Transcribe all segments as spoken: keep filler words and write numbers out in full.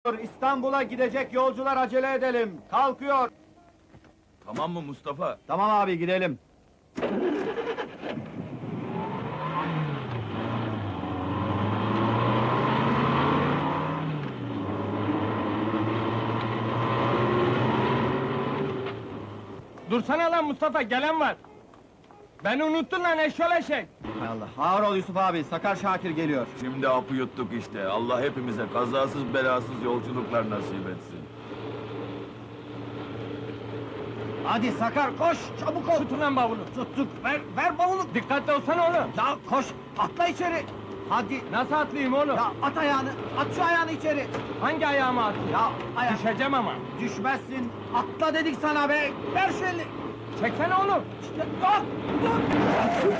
İstanbul'a gidecek yolcular, acele edelim. Kalkıyor. Tamam mı Mustafa? Tamam abi, gidelim. Dursana lan Mustafa, gelen var. Beni unuttun lan eşşol eşek. Hay Allah, ağır ol Yusuf abi, Sakar Şakir geliyor. Şimdi apı yuttuk işte. Allah hepimize kazasız belasız yolculuklar nasip etsin. Hadi Sakar, koş, çabuk ol. Tutun lan bavulu. Tuttuk, ver, ver bavulu. Dikkatli olsana oğlum. Ya koş, atla içeri. Hadi. Nasıl atlayayım oğlum? Ya at ayağını, at şu ayağını içeri. Hangi ayağıma atayım? Ya ayak. Düşeceğim ama. Düşmezsin, atla dedik sana be. Ver şu elini. Çeksene oğlum. İşte, dur, dur.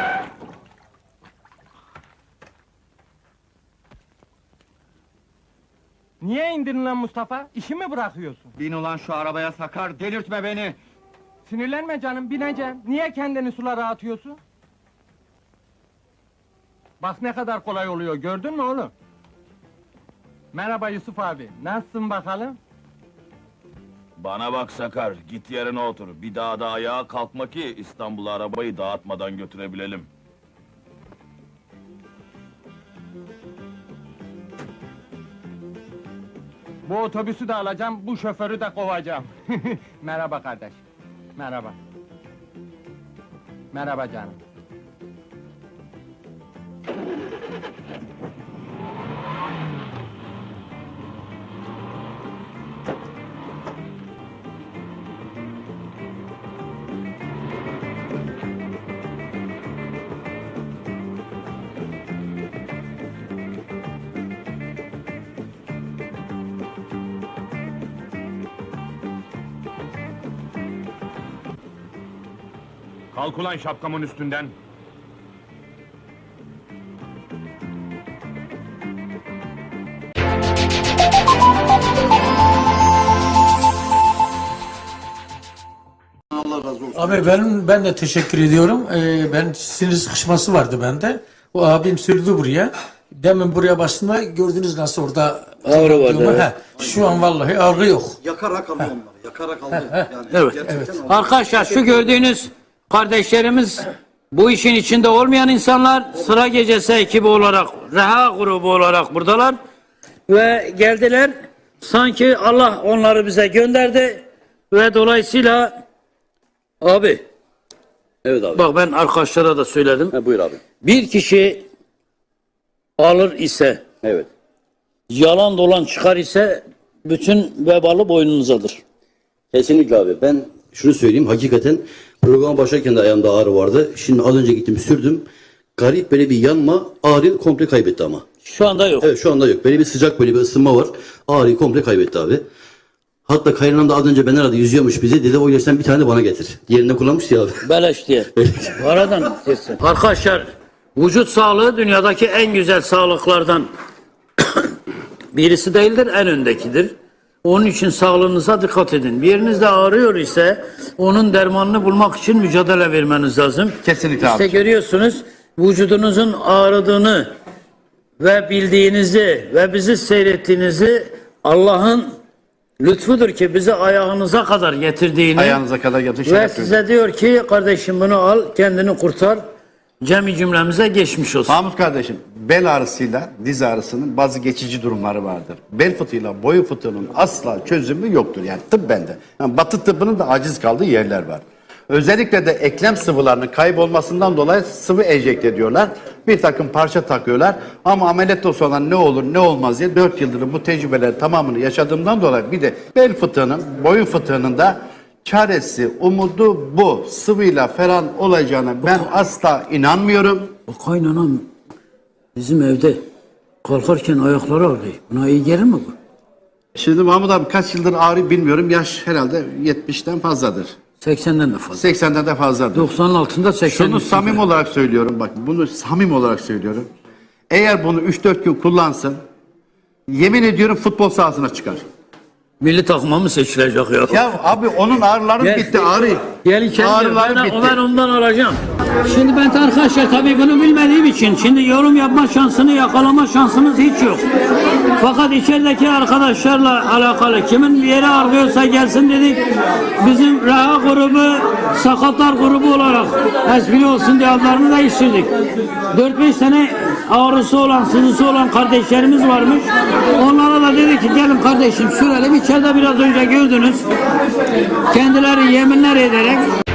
Niye indirin lan Mustafa? İşi mi bırakıyorsun? Bin ulan şu arabaya Sakar, delirtme beni. Sinirlenme canım, bineceğim. Niye kendini sulara atıyorsun? Bak ne kadar kolay oluyor, gördün mü oğlum? Merhaba Yusuf abi, nasılsın bakalım? Bana bak Sakar, git yerine otur. Bir daha da ayağa kalkma ki İstanbul'a arabayı dağıtmadan götürebilelim. Bu otobüsü de alacağım, bu şoförü de kovacağım. Merhaba kardeş. Merhaba. Merhaba canım. Kalk ulan şapkamın üstünden! Abi benim ben de teşekkür ediyorum. Ee, ben sinir sıkışması vardı bende. O abim sürdü buraya. Demin buraya başında gördünüz nasıl orada ağrı vardı. Evet. He, şu an vallahi ağrı yok. Yakarak alıyor onları, yakarak alıyor. Yani Evet, gerçekten evet. alıyor. Arkadaşlar şu gördüğünüz kardeşlerimiz bu işin içinde olmayan insanlar, sıra gecesi ekibi olarak, reha grubu olarak buradalar ve geldiler. Sanki Allah onları bize gönderdi ve dolayısıyla abi, Evet abi. bak ben arkadaşlara da söyledim. Ha, buyur abi. Bir kişi alır ise, Evet. yalan dolan çıkar ise bütün vebalı boynunuzadır. Kesinlikle abi. Ben şunu söyleyeyim. Hakikaten programa başlarken de ayağımda ağrı vardı. Şimdi az önce gittim sürdüm. Garip böyle bir yanma, ağrıyı komple kaybetti ama. Şu anda yok. Evet, şu anda yok. Böyle bir sıcak, böyle bir ısınma var. Ağrıyı komple kaybetti abi. Hatta kaynanam da az önce beni aradı, yüzüyormuş bizi. Dedi o ilaçtan bir tane de bana getir. Diğerinde kullanmıştı ya abi. Beleş diye. Aradan kesin. Arkadaşlar, vücut sağlığı dünyadaki en güzel sağlıklardan birisi değildir, en öndekidir. Onun için sağlığınıza dikkat edin. Bir yerinizde ağrıyor ise onun dermanını bulmak için mücadele vermeniz lazım. Kesinlikle İşte abi. görüyorsunuz vücudunuzun ağrıdığını ve bildiğinizi ve bizi seyrettiğinizi Allah'ın lütfudur ki bizi ayağınıza kadar getirdiğini Ayağınıza kadar yatın, ve şeref size diyor ki kardeşim bunu al, kendini kurtar. Cemi cümlemize geçmiş olsun. Mahmut kardeşim, bel ağrısıyla diz ağrısının bazı geçici durumları vardır. Bel fıtığıyla boyun fıtığının asla çözümü yoktur. Yani tıp bende. Yani batı tıbbının da aciz kaldığı yerler var. Özellikle de eklem sıvılarının kaybolmasından dolayı sıvı enjekte ediyorlar. Bir takım parça takıyorlar. Ama ameliyatta sonra ne olur ne olmaz diye dört yıldır bu tecrübeler tamamını yaşadığımdan dolayı bir de bel fıtığının, boyun fıtığının da çaresi, umudu bu. Sıvıyla falan olacağına ben asla inanmıyorum. O kaynanam bizim evde kalkarken ayakları ağrıyor. Buna iyi gelir mi bu? Şimdi Mahmut abi kaç yıldır ağrı bilmiyorum. Yaş herhalde yetmişten fazladır. seksenden de fazla. seksenden de fazladır. doksanın altında seksen. Şunu samimi olarak söylüyorum bak. Bunu samimi olarak söylüyorum. Eğer bunu üç dört gün kullansın, yemin ediyorum futbol sahasına çıkar. Milli takıma mı seçilecek ya? Ya abi onun ağrıları Gel. bitti, ağrı. Gel içeri. Ağrıları Ben, bitti. ben ondan alacağım. Şimdi ben arkadaşlar tabii bunu bilmediğim için şimdi yorum yapma şansını yakalama şansınız hiç yok. Fakat içerideki arkadaşlarla alakalı kimin yeri ağrıyorsa gelsin dedik. Bizim Reha grubu, sakatlar grubu olarak espri olsun diye adlarını değiştirdik. dört beş tane ağrısı olan, sızısı olan kardeşlerimiz varmış. Onlara da dedik ki gelin kardeşim sürelim. İçeride biraz önce gördünüz. Kendileri yeminler ederek